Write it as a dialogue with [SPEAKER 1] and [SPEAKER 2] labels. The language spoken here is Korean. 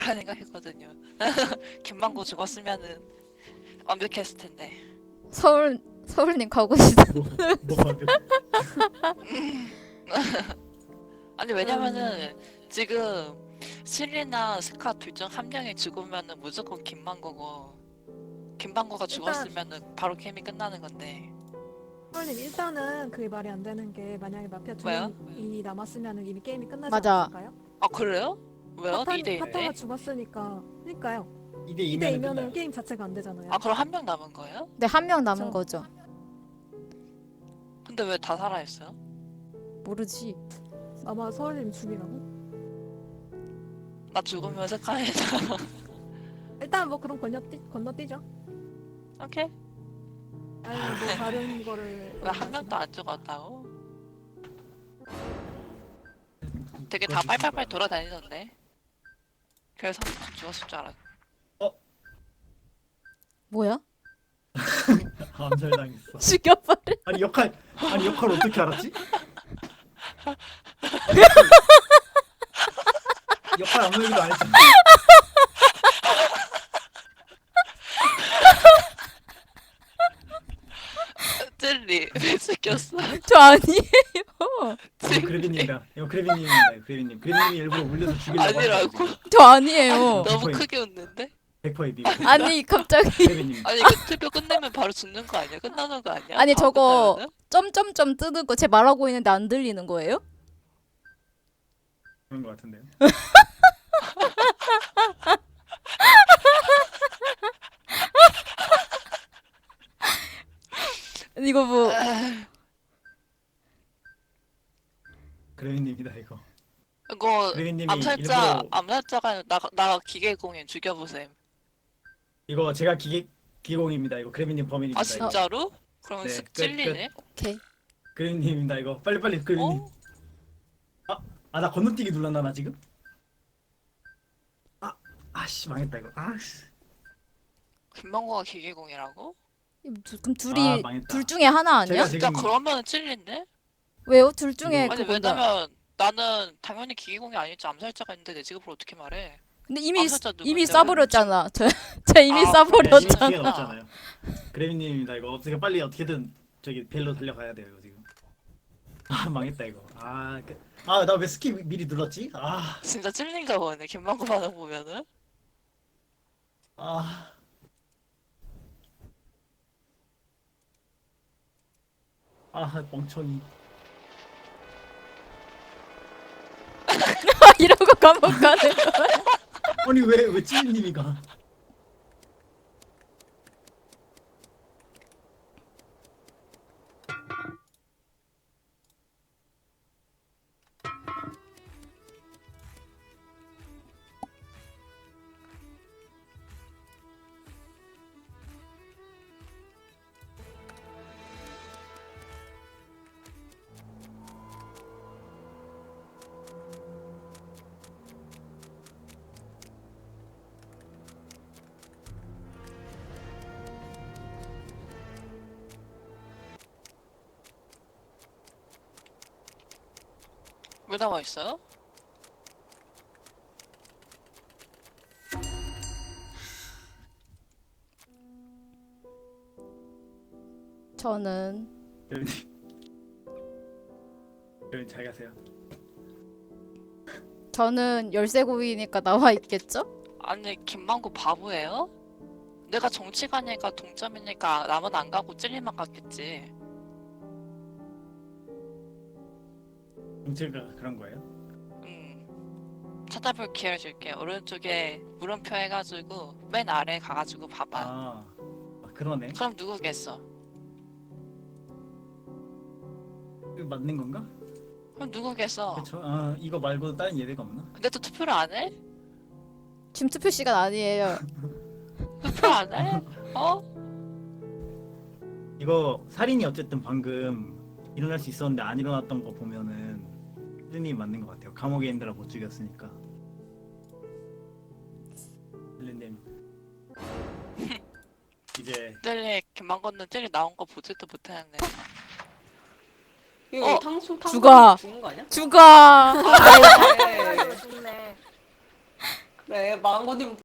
[SPEAKER 1] 생각했거든요. 김만고 죽었으면은 완벽했을 텐데.
[SPEAKER 2] 서울님 가고 싶어.
[SPEAKER 3] 뭐가 돼?
[SPEAKER 1] 아니 왜냐면은 지금 실리나 스카 둘 중 한 명이 죽으면은 무조건 김만고고 김만고가 죽었으면은 바로 게임이 끝나는 건데.
[SPEAKER 4] 선생님 일단은 그게 말이 안 되는 게 만약에 마피아 두
[SPEAKER 1] 왜요?
[SPEAKER 4] 명이 남았으면은 이미 게임이 끝나지
[SPEAKER 2] 맞아.
[SPEAKER 4] 않을까요?
[SPEAKER 1] 아 그래요? 왜요?
[SPEAKER 4] 파탄,
[SPEAKER 1] 2대
[SPEAKER 4] 파타가
[SPEAKER 1] 1네?
[SPEAKER 4] 죽었으니까 그러니까요.
[SPEAKER 3] 2대
[SPEAKER 4] 2대
[SPEAKER 3] 2면은
[SPEAKER 4] 2면은
[SPEAKER 3] 끝나요.
[SPEAKER 4] 게임 자체가 안 되잖아요.
[SPEAKER 1] 아 그럼 한 명 남은 거예요?
[SPEAKER 2] 네, 한 명 남은
[SPEAKER 4] 그쵸.
[SPEAKER 2] 거죠.
[SPEAKER 1] 근데 왜 다 살아있어요?
[SPEAKER 2] 모르지.
[SPEAKER 4] 아마 서울님 죽이라고?
[SPEAKER 1] 나 죽으면 스카이다.
[SPEAKER 4] 일단 뭐 그럼 건너뛰죠.
[SPEAKER 1] 오케이.
[SPEAKER 4] 아니 뭐 다른 거를
[SPEAKER 1] 왜 한 명도 안 죽었다고? 되게 다 빨빨빨 돌아다니던데. 그래서 죽었을 줄 알았어.
[SPEAKER 2] 뭐야?
[SPEAKER 3] 암살당했어.
[SPEAKER 2] 죽여버려.
[SPEAKER 3] 아니 역할 어떻게 알았지? 역할 아무 얘기도 안 했잖아.
[SPEAKER 1] 찔리 왜 죽였어?
[SPEAKER 2] 저 아니에요.
[SPEAKER 3] 이거 그래비님이다. 이거 그래비님입니다. 이거 그래비님이 일부러 울려서 죽이려고
[SPEAKER 1] 아니라고?
[SPEAKER 2] 저 아니에요.
[SPEAKER 1] 너무
[SPEAKER 3] 거의-
[SPEAKER 1] 크게 웃는데?
[SPEAKER 3] 100%의 비밀.
[SPEAKER 2] 아니 갑자기
[SPEAKER 3] 그래비님.
[SPEAKER 1] 아니 이거 투표 끝내면 바로 죽는 거 아니야? 끝나는 거 아니야?
[SPEAKER 2] 아니,
[SPEAKER 1] 바로
[SPEAKER 2] 저거
[SPEAKER 1] 끝나면은?
[SPEAKER 2] 점점점 뜨는 거 제 말하고 있는데 안 들리는 거예요?
[SPEAKER 3] 그런 것 같은데요.
[SPEAKER 2] 이거 뭐
[SPEAKER 3] 그래비님이다 이거.
[SPEAKER 1] 이거
[SPEAKER 3] 그래비님이
[SPEAKER 1] 암살자
[SPEAKER 3] 일부러
[SPEAKER 1] 암살자가 나 기계공인 죽여보셈.
[SPEAKER 3] 이거 제가 기공입니다. 이거 그래비님 범인입니다.
[SPEAKER 1] 아
[SPEAKER 3] 이거.
[SPEAKER 1] 진짜로? 그럼
[SPEAKER 3] 네,
[SPEAKER 1] 쓱
[SPEAKER 3] 끝,
[SPEAKER 1] 찔리네.
[SPEAKER 2] 오케이.
[SPEAKER 3] 그래비님입니다. 이거 빨리 그래비님.
[SPEAKER 1] 어?
[SPEAKER 3] 나 건너뛰기 눌렀나 나 지금? 아씨 망했다 이거. 아씨.
[SPEAKER 1] 김만고가 기계공이라고?
[SPEAKER 2] 그럼 둘이
[SPEAKER 3] 망했다.
[SPEAKER 2] 둘 중에 하나 아니야?
[SPEAKER 3] 제가
[SPEAKER 1] 진짜
[SPEAKER 3] 지금
[SPEAKER 1] 그러면은 찔린데?
[SPEAKER 2] 왜요? 둘 중에
[SPEAKER 3] 이거-
[SPEAKER 1] 아니
[SPEAKER 2] 그거다.
[SPEAKER 1] 왜냐면 나는 당연히 기계공이 아니지 암살자가 있는데 내 직업을 어떻게 말해?
[SPEAKER 2] 근데 이미
[SPEAKER 1] 암살자
[SPEAKER 2] 이미
[SPEAKER 1] 누군데?
[SPEAKER 2] 쏴버렸잖아. 저 이미
[SPEAKER 1] 아,
[SPEAKER 2] 쏴버렸잖아.
[SPEAKER 3] 기회가 없잖아요. 그래비님입니다. 이거 어떻게 빨리 어떻게든 저기 벨로 달려가야 돼요 이거 지금. 망했다 이거. 나 왜 스킵 미리 눌렀지?
[SPEAKER 1] 진짜 찔린가 보네. 김만고 반응 보면은.
[SPEAKER 3] 아. 멍청이.
[SPEAKER 2] 이러고 감옥 가는 거야.
[SPEAKER 3] 아니 왜 찌님이 가?
[SPEAKER 1] 왜 나와 있어요?
[SPEAKER 2] 저는
[SPEAKER 3] 여러분 잘 가세요.
[SPEAKER 2] 저는 열쇠고이니까 나와 있겠죠?
[SPEAKER 1] 아니 김만고 바보예요? 내가 정치가니까 동점이니까 남은 안 가고 찔리만 갔겠지.
[SPEAKER 3] 정체가 그런 거예요?
[SPEAKER 1] 찾아볼 기회를 줄게. 오른쪽에 물음표 해가지고 맨 아래 가가지고 봐봐.
[SPEAKER 3] 그러네.
[SPEAKER 1] 그럼 누구겠어?
[SPEAKER 3] 이거 맞는 건가?
[SPEAKER 1] 그럼 누구겠어?
[SPEAKER 3] 그렇죠. 이거 말고 다른 예외가 없나?
[SPEAKER 1] 근데 또 투표를 안 해?
[SPEAKER 2] 지금 투표 시간 아니에요.
[SPEAKER 1] 투표 안 해? 어?
[SPEAKER 3] 이거 살인이 어쨌든 방금 일어날 수 있었는데 안 일어났던 거 보면은 힐님 맞는 것 같아요. 감옥에 있느라 못 죽였으니까. 힐님 이제
[SPEAKER 1] 찔리 김만고는 찔리 나온 거 보지도 못했네.
[SPEAKER 5] 이거
[SPEAKER 1] 어?
[SPEAKER 5] 탕수
[SPEAKER 2] 죽어.
[SPEAKER 5] 죽는 거 아니야?
[SPEAKER 2] 죽어.
[SPEAKER 5] 네.
[SPEAKER 4] 죽네.
[SPEAKER 5] 그래 망고님